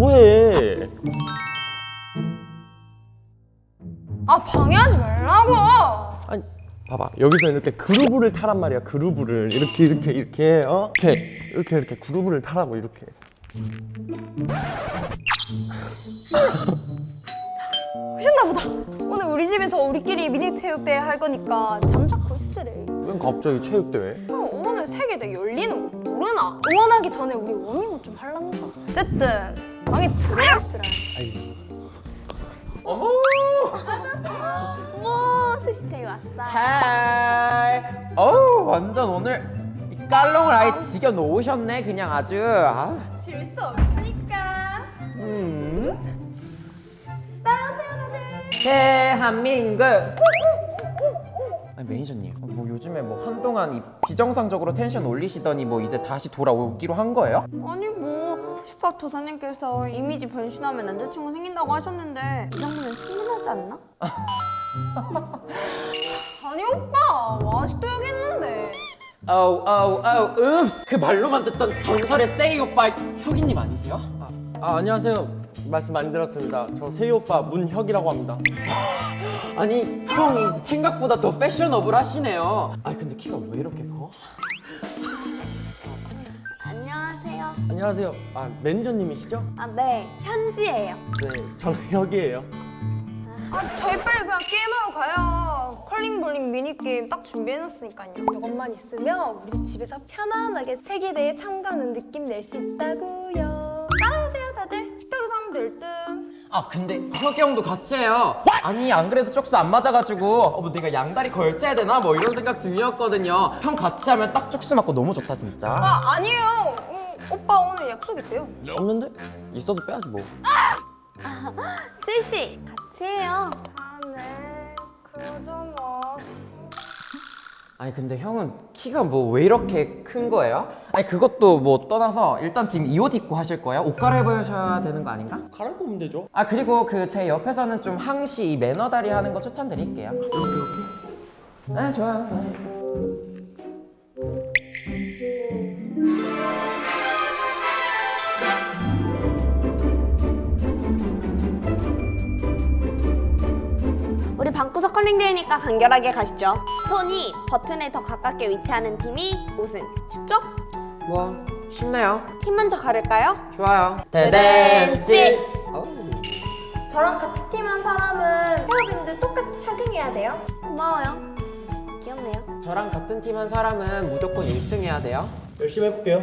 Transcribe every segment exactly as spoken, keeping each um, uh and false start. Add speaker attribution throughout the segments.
Speaker 1: 뭐해?
Speaker 2: 아 방해하지 말라고.
Speaker 1: 아니 봐봐 여기서 이렇게 그루브를 타란 말이야. 그루브를 이렇게 이렇게 이렇게 어? 이렇게 이렇게 이렇게 그루브를 타라고 이렇게.
Speaker 2: 오셨나 보다. 오늘 우리 집에서 우리끼리 미니 체육대회 할 거니까 잠자코 있으래.
Speaker 1: 왜 갑자기 체육대회?
Speaker 2: 어, 오늘 세계대회 열리는 거 모르나? 응원하기 전에 우리 워밍업 좀 할란가. 어쨌든 방에 들어가 있으라.
Speaker 1: 어머!
Speaker 2: 어머 스시채이 왔어.
Speaker 3: 하이. 어우 완전 오늘 이 깔롱을 아예 지겨 놓으셨네 그냥 아주. 아.
Speaker 2: 질 수 없으니까.
Speaker 3: 음.
Speaker 2: 따라오세요 다들.
Speaker 3: 대한민국. 아니 매니저님, 뭐 요즘에 뭐 한동안 이 비정상적으로 텐션 올리시더니 뭐 이제 다시 돌아오기로 한 거예요?
Speaker 4: 아니 뭐 푸시팝 도사님께서 이미지 변신하면 남자친구 생긴다고 하셨는데 이 정도면 충분하지 않나?
Speaker 2: 아니 오빠 뭐 아직도 여기 있는데.
Speaker 3: 어우 어우 어우 읍스. 그 말로만 듣던 전설의 세이 오빠 혁이님 아니세요?
Speaker 1: 아, 아 안녕하세요. 말씀 많이 들었습니다. 저 세희 오빠 문혁이라고 합니다.
Speaker 3: 아니 형이 생각보다 더 패셔너블 하시네요. 아니 근데 키가 왜 이렇게 커?
Speaker 4: 안녕하세요.
Speaker 1: 안녕하세요. 아 매니저님이시죠?
Speaker 4: 아 네, 현지예요.
Speaker 1: 네, 저는 혁이에요.
Speaker 2: 아 저희 빨리 그냥 게임하러 가요. 컬링 볼링 미니게임 딱 준비해놨으니까요. 이것만 있으면 우리 집에서 편안하게 세계대회 참가하는 느낌 낼 수 있다고요. 따라오세요 다들. 식탁에서 하면 될 듯.
Speaker 3: 아 근데 혁이 형도 같이 해요. 아니 안 그래도 쪽수 안 맞아가지고 어, 뭐 내가 양다리 걸쳐야 되나 뭐 이런 생각 중이었거든요. 형 같이 하면 딱 쪽수 맞고 너무 좋다 진짜.
Speaker 2: 아 아니에요. 음, 오빠 오늘 약속 있대요.
Speaker 1: 없는데? 있어도 빼야지 뭐.
Speaker 4: 스시 같이 해요.
Speaker 2: 아 네. 그러죠 뭐.
Speaker 3: 아니 근데 형은 키가 뭐 왜 이렇게 큰 거예요? 아니 그것도 뭐 떠나서 일단 지금 이 옷 입고 하실 거예요? 옷 갈아입으셔야 되는 거 아닌가?
Speaker 1: 갈아입고 오면 되죠.
Speaker 3: 아 그리고 그 제 옆에서는 좀 항시 이 매너 다리 하는 거 추천드릴게요.
Speaker 1: 이렇게 이렇게.
Speaker 3: 네 좋아요. 네.
Speaker 4: 우리 방구석 컬링대회니까 간결하게 가시죠. 스톤이 버튼에 더 가깝게 위치하는 팀이 우승. 쉽죠?
Speaker 3: 뭐 쉽네요.
Speaker 4: 팀 먼저 가릴까요?
Speaker 3: 좋아요.
Speaker 4: 대댄지.
Speaker 3: 어우.
Speaker 2: 저랑 같은 팀 한 사람은 헤어밴드 똑같이 착용해야 돼요.
Speaker 4: 고마워요. 귀엽네요.
Speaker 3: 저랑 같은 팀 한 사람은 무조건 일 등 해야 돼요.
Speaker 1: 열심히 해볼게요.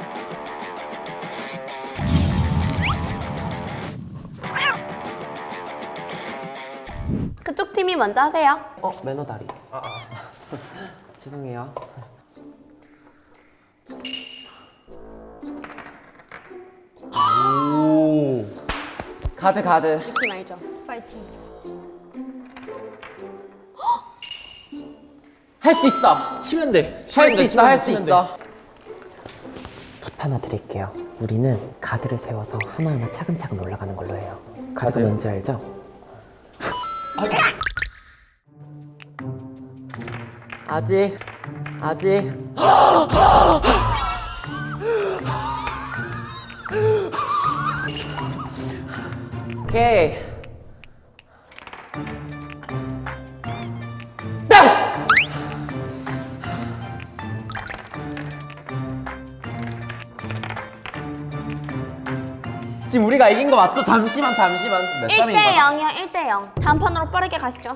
Speaker 4: 그쪽 팀이 먼저 하세요.
Speaker 3: 어 매너 다리. 아, 아. 죄송해요.
Speaker 1: 오.
Speaker 3: 가드 가드.
Speaker 4: 팀 알죠?
Speaker 2: 파이팅.
Speaker 3: 할 수 있어.
Speaker 1: 치면 돼.
Speaker 3: 할 수 있어 할 수
Speaker 1: 치면 돼.
Speaker 3: 있어. 팁 하나 드릴게요. 우리는 가드를 세워서 하나하나 차근차근 올라가는 걸로 해요. 가드
Speaker 1: 가드요?
Speaker 3: 뭔지 알죠? 아직 아직 오케이. 땅! 지금 우리가 이긴 거 맞죠? 잠시만 잠시만 몇 점인
Speaker 4: 일 대
Speaker 3: 거야?
Speaker 4: 영이요. 일 대 영. 다음 판으로 빠르게 가시죠.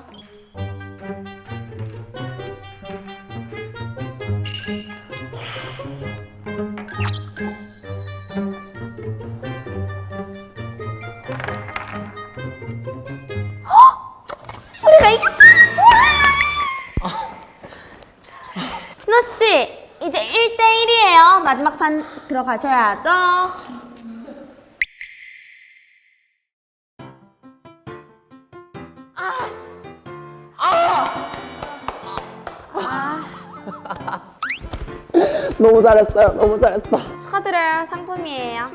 Speaker 4: 우리가 이겼다! 신호 씨, 이제 일 대 일이에요. 마지막 판 들어가셔야죠.
Speaker 3: 너무 잘했어요 너무 잘했어.
Speaker 4: 축하드려요. 상품이에요.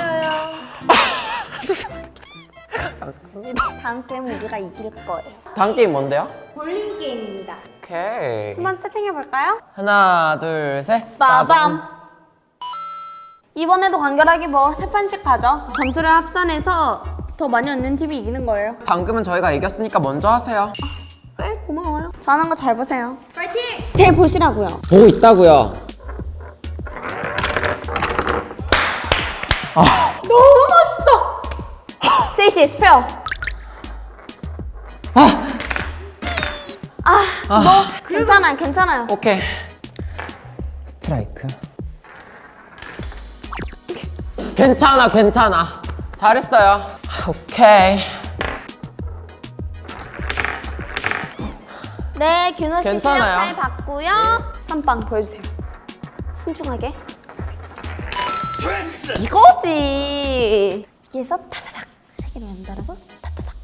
Speaker 3: 감사합니다.
Speaker 4: 다음 게임 우리가 이길 거예요.
Speaker 3: 다음 게임 뭔데요?
Speaker 4: 볼링 게임입니다.
Speaker 3: 오케이.
Speaker 4: 한번 세팅해 볼까요?
Speaker 3: 하나 둘 셋.
Speaker 4: 빠밤. 이번에도 간결하게 뭐 세 판씩 가죠. 점수를 합산해서 더 많이 얻는 팀이 이기는 거예요.
Speaker 3: 방금은 저희가 이겼으니까 먼저 하세요.
Speaker 4: 네, 고마워요. 저 하는 거 잘 보세요. 파이팅! 제일 보시라고요.
Speaker 3: 보고 있다고요.
Speaker 4: 너무 멋있어! 세이씨, 스페어.
Speaker 3: 아,
Speaker 4: 아, 뭐 괜찮아요, 괜찮아요.
Speaker 3: 오케이. 스트라이크. 괜찮아, 괜찮아. 잘했어요. 오케이.
Speaker 4: 네, 규노 씨 실력
Speaker 3: 괜찮아요.
Speaker 4: 잘 봤고요. 선빵 보여주세요. 신중하게. 이거지. 여기에서 타다닥 세 개를 연달아서 타다닥.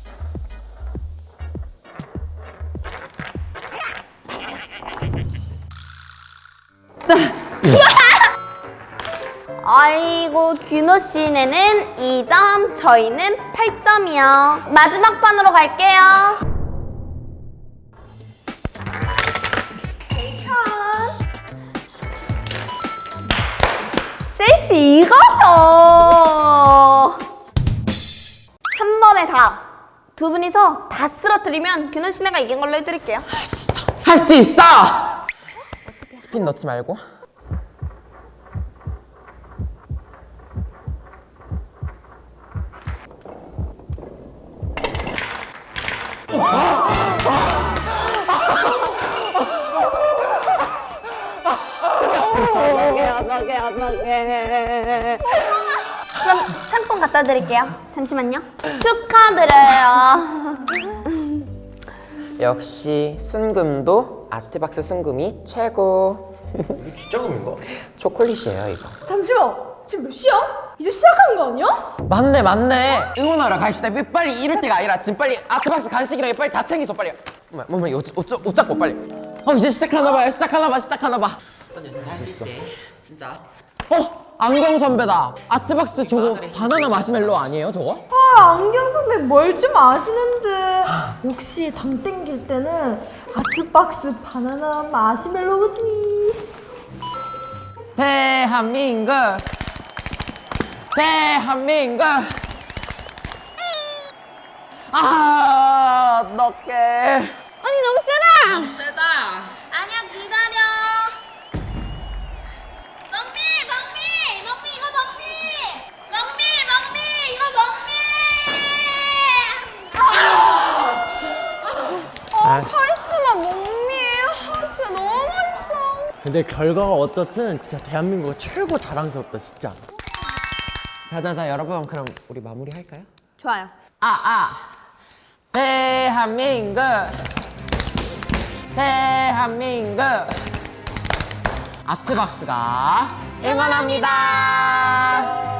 Speaker 4: 아이고, 규노 씨네는 이 점, 저희는 팔 점이요. 마지막 판으로 갈게요. 세이씨, 이거죠. 한 번에 다. 두 분이서 다 쓰러뜨리면 규노 씨네가 이긴 걸로 해드릴게요.
Speaker 3: 할 수 있어! 스핀 넣지 말고.
Speaker 4: 그럼 상품 갖다 드릴게요. 잠시만요. 축하드려요.
Speaker 3: 역시 순금도 아트박스 순금이 최고.
Speaker 1: 진짜 금인가?
Speaker 3: 초콜릿이에요, 이거.
Speaker 2: 잠시만, 지금 몇 시야? 이제 시작한 거 아니야?
Speaker 3: 맞네, 맞네. 응원하러 가시다. 빨리 이럴 때가 아니라 지금 빨리 아트박스 간식이랑 빨리 다 챙기소, 빨리. 뭐야, 뭐, 뭐, 옷, 옷, 옷 잡고 빨리. 어, 이제 시작하나 봐요. 시작하나 봐, 시작하나 봐. 언니 진짜 할 수 있대. 진짜. 어, 안경 선배다. 아트박스 저거 바나나 마시멜로 아니에요, 저거?
Speaker 2: 아, 안경 선배 뭘 좀 아시는데. 역시 당 땡길 때는 아트박스 바나나 마시멜로우지.
Speaker 3: 대한민국, 대한민국. 아, 어떡해.
Speaker 4: 언니 너무 세다.
Speaker 3: 세다.
Speaker 4: 아니야, 기다려. 먹미, 먹미, 먹미 이거 먹미. 먹미, 먹미 이거 먹미.
Speaker 2: 아, 카리스마 몸미. 아, 진짜 너무 멋있어.
Speaker 1: 근데 결과가 어떻든 진짜 대한민국이 최고 자랑스럽다 진짜.
Speaker 3: 자자자, 여러분, 그럼 우리 마무리 할까요?
Speaker 4: 좋아요.
Speaker 3: 아, 아. 대한민국, 대한민국. 아트박스가 응원합니다.